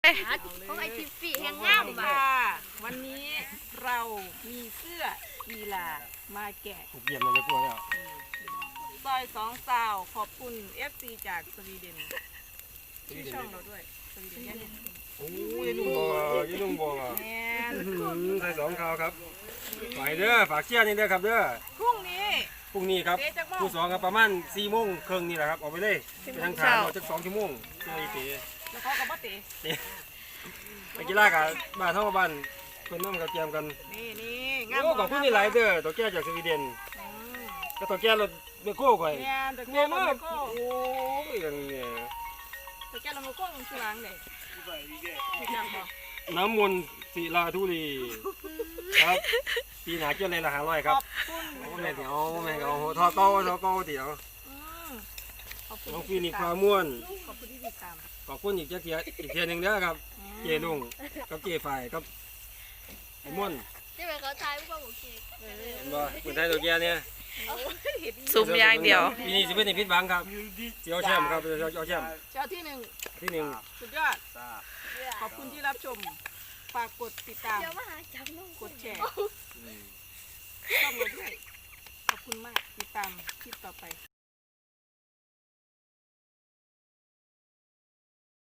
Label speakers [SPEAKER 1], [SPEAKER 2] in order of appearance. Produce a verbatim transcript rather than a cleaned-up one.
[SPEAKER 1] ของไอทิฟฟี่แห่งงามบ่ะวันนี้เรามีเสื้อกีฬามาแกะ
[SPEAKER 2] ถูกเยี่ยมเลยจะกลัวแล้ว
[SPEAKER 1] ซอยสองสาวขอบคุณ เอฟ ซี จากสวีเดนที่ช่องเราด้วยสวีเดนเนี่ย
[SPEAKER 2] โอ้ยนุ่งบ่ยี่นุ่งบ่
[SPEAKER 1] แม่น
[SPEAKER 2] ใส่สองข่าวครับฝากเด้อฝากเชียร์นี่เด้อครับเด้อ
[SPEAKER 1] พรุ่งนี้
[SPEAKER 2] พรุ่งนี้ครับผู้สองครับประมาณสี่โมงครึ่งนี่แหละครับออกไปเลยไปทางทางออกจากสองชั่วโมงตัวอีเต๋
[SPEAKER 1] แล้วเขากับป้าเต๋
[SPEAKER 2] ไปกีฬากับบ้านเท่าบ้านเพื่อนน้องกับเกียมกัน
[SPEAKER 1] นี่นี่งาม
[SPEAKER 2] โอ้ขอบคุณนี่หลายเด้อตัวแก่จากสวีเดนก็ตัวแก่รถเบโก้ก่อย
[SPEAKER 1] แม่นแต่
[SPEAKER 2] เงี้
[SPEAKER 1] แก้
[SPEAKER 2] ย
[SPEAKER 1] เรา
[SPEAKER 2] มาก
[SPEAKER 1] โก้
[SPEAKER 2] โอ้ยอย่างเงี้ย
[SPEAKER 1] แต่แก้เราโก้ลงสว่างเลยผิดจังบ่
[SPEAKER 2] น้ำมนต์ศิลาธุรีครับปีหนาเกี่ยวเลยละห้าร้อย
[SPEAKER 1] ข
[SPEAKER 2] ครับ
[SPEAKER 1] อบคุณ
[SPEAKER 2] โอ้แม่เดี๋ยวแม่เอาทอเก้าทอเก้าเดี๋ยว
[SPEAKER 1] อืมขอบคุณ
[SPEAKER 2] น้องฟีนิกซ์พาม่วน
[SPEAKER 1] ขอบคุณที่ติดตาม
[SPEAKER 2] ขอบคุณอีกเจ้าเทียอีกเทียหนึ่งเด้อครับ เจลุงกับเจฝ่ายกับไอ้ม่วน
[SPEAKER 3] นี่เป็นเขาทายผู้บอกเค้ก
[SPEAKER 1] เอ
[SPEAKER 2] เห็นบ่คนไทยตัวแก่เนี่ย
[SPEAKER 1] อเห็น
[SPEAKER 4] ซุ่มอย่างเดียว
[SPEAKER 2] ปีนี้สิเป็นในพิษบังครับเจียวแชมป์ครับเจียวแชมป์
[SPEAKER 1] เจ้าที่หนึ่ง
[SPEAKER 2] ที่หนึ่ง
[SPEAKER 1] สุดยอด ขอบคุณที่รับชม ฝากกดติดตาม
[SPEAKER 3] เดี๋ยวมาหาจับน้อง
[SPEAKER 1] กดแชร์ช่องเราด้วย ขอบคุณมาก ติดตามคลิปต่อไป